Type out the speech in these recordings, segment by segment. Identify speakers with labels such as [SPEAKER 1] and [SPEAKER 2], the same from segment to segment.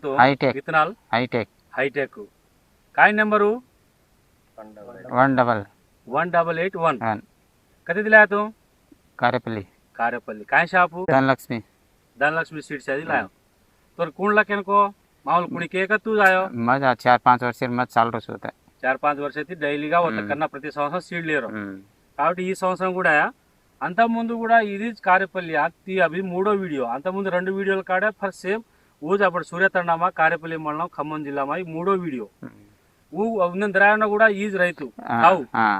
[SPEAKER 1] तो
[SPEAKER 2] hi tech
[SPEAKER 1] विత్తనాలు
[SPEAKER 2] hi tech
[SPEAKER 1] hitech काय नंबरू
[SPEAKER 2] 18881
[SPEAKER 1] कधी दिलाय तू
[SPEAKER 2] कारेपल्ली
[SPEAKER 1] कारेपल्ली काय शापू
[SPEAKER 2] धनलक्ष्मी
[SPEAKER 1] धनलक्ष्मी सीड्स आहे दिलाय तर कोणला केनको मामूल कुणी के का तू जायो
[SPEAKER 2] मजा 4-5 वर्ष मत चाल रस होता
[SPEAKER 1] 4-5 वर्षाతి డైలీగా వస్తా కన్నా ప్రతి సంవత్సరం సీడ్ లేరు కాబట్టి ఈ సంవత్సరం కూడా అంత ముందు కూడా ఇది కారేపల్లి అతి అవి మూడో వీడియో అంత ముందు రెండు వీడియోలు కాడే ఫర్ సేమ్ ఊజ్ అప్పుడు సూర్యతండమా కారేపల్లి మండలం ఖమ్మం జిల్లా ఈ మూడో వీడియో ఊ ద్రాయణ కూడా ఈజ్ రైతు కావు.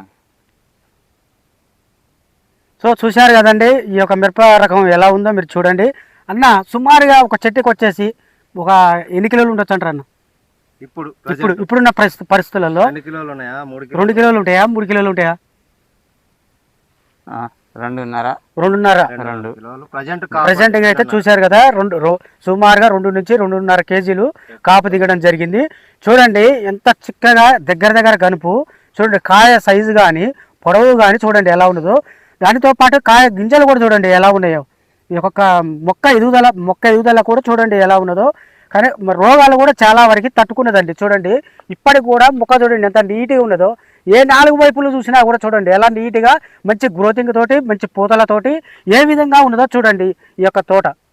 [SPEAKER 3] సో చూశారు కదండి ఈ యొక్క మిరప రకం ఎలా ఉందో మీరు చూడండి అన్న. సుమారుగా ఒక చెట్టుకి వచ్చేసి ఒక ఎన్ని కిలోలు ఉండొచ్చు అంటారు అన్న? ఇప్పుడున్న పరిస్థితులలో 2 కిలోలు ఉంటాయా 3 కిలోలు ఉంటాయా? 2.5 ప్రజెంట్ అయితే చూశారు కదా సుమారుగా 2 నుంచి 2.5 కేజీలు కాపు దిగడం జరిగింది. చూడండి ఎంత చిక్కగా దగ్గర గనుపు చూడండి, కాయ సైజు కానీ పొడవు కానీ చూడండి ఎలా ఉన్నదో. దానితో పాటు కాయ గింజలు కూడా చూడండి ఎలా ఉన్నాయో. ఈ ఒక్కొక్క మొక్క ఎదుగుదల కూడా చూడండి ఎలా ఉన్నదో. కానీ రోగాలు కూడా చాలా వరకు తట్టుకున్నదండి. చూడండి ఇప్పటికి కూడా మొక్క చూడండి ఎంత నీట్గా ఉన్నదో. ఏ 4 వైపులు చూసినా కూడా చూడండి ఎలా నీట్గా మంచి గ్రోతింగ్ తోటి మంచి పూతలతోటి ఏ విధంగా ఉన్నదో చూడండి ఈ యొక్క తోట.